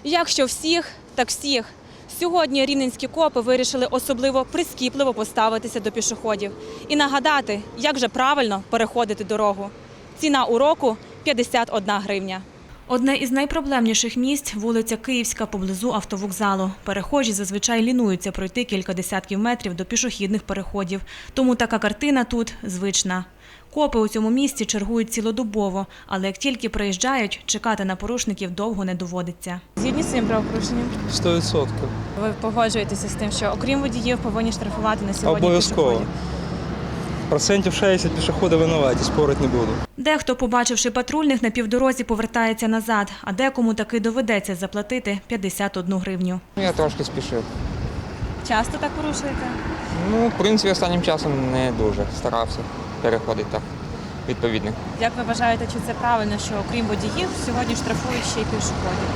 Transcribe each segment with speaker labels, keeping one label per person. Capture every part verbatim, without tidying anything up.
Speaker 1: Якщо всіх, так всіх. Сьогодні рівненські копи вирішили особливо прискіпливо поставитися до пішоходів і нагадати, як же правильно переходити дорогу. Ціна уроку – п'ятдесят одна гривня. Одне із найпроблемніших місць – вулиця Київська поблизу автовокзалу. Перехожі зазвичай лінуються пройти кілька десятків метрів до пішохідних переходів. Тому така картина тут звична. Копи у цьому місці чергують цілодобово, але як тільки приїжджають, чекати на порушників довго не доводиться. Згідні з цим правопорушенням?
Speaker 2: сто відсотків.
Speaker 1: Ви погоджуєтеся з тим, що окрім водіїв повинні штрафувати на сьогодні
Speaker 2: Обов'язково.
Speaker 1: пішоходів?
Speaker 2: Процентів шістдесят пішоходи винуваті, спорити не буду.
Speaker 1: Дехто, побачивши патрульних, на півдорозі повертається назад, а декому таки доведеться заплатити п'ятдесят одну гривню.
Speaker 3: Я трошки спішив.
Speaker 1: Часто так порушуєте?
Speaker 3: Ну, в принципі, останнім часом не дуже старався переходити так відповідно.
Speaker 1: Як ви вважаєте, чи це правильно, що окрім водіїв сьогодні штрафують ще й пішоходів?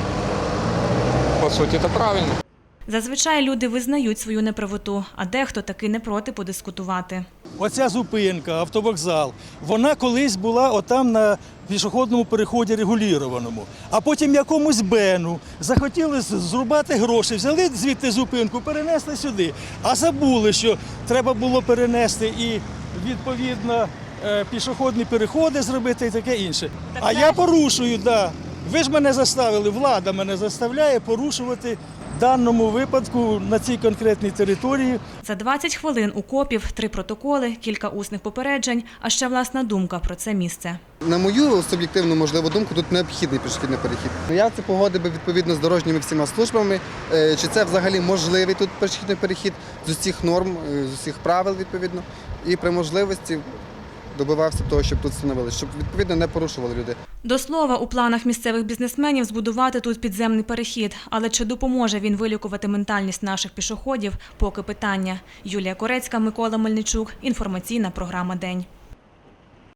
Speaker 3: По суті, це правильно.
Speaker 1: Зазвичай люди визнають свою неправоту, а дехто таки не проти подискутувати.
Speaker 4: Оця зупинка, автовокзал, вона колись була отам на пішохідному переході регулірованому. А потім якомусь бену захотіли зрубати гроші, взяли звідти зупинку, перенесли сюди. А забули, що треба було перенести і, відповідно, пішохідні переходи зробити і таке інше.
Speaker 1: Так
Speaker 4: а
Speaker 1: це...
Speaker 4: я порушую, так. Да. Ви ж мене заставили, влада мене заставляє порушувати в даному випадку на цій конкретній території.
Speaker 1: За двадцять хвилин у копів три протоколи, кілька усних попереджень, а ще власна думка про це місце.
Speaker 5: На мою суб'єктивну, можливу думку, тут необхідний пішохідний перехід. Я це погодив би відповідно з дорожніми всіма службами, чи це взагалі можливий тут пішохідний перехід з усіх норм, з усіх правил відповідно. І при можливості добивався того, щоб тут встановили, щоб відповідно не порушували люди.
Speaker 1: До слова, у планах місцевих бізнесменів збудувати тут підземний перехід. Але чи допоможе він вилікувати ментальність наших пішоходів – поки питання. Юлія Корецька, Микола Мельничук. Інформаційна програма «День».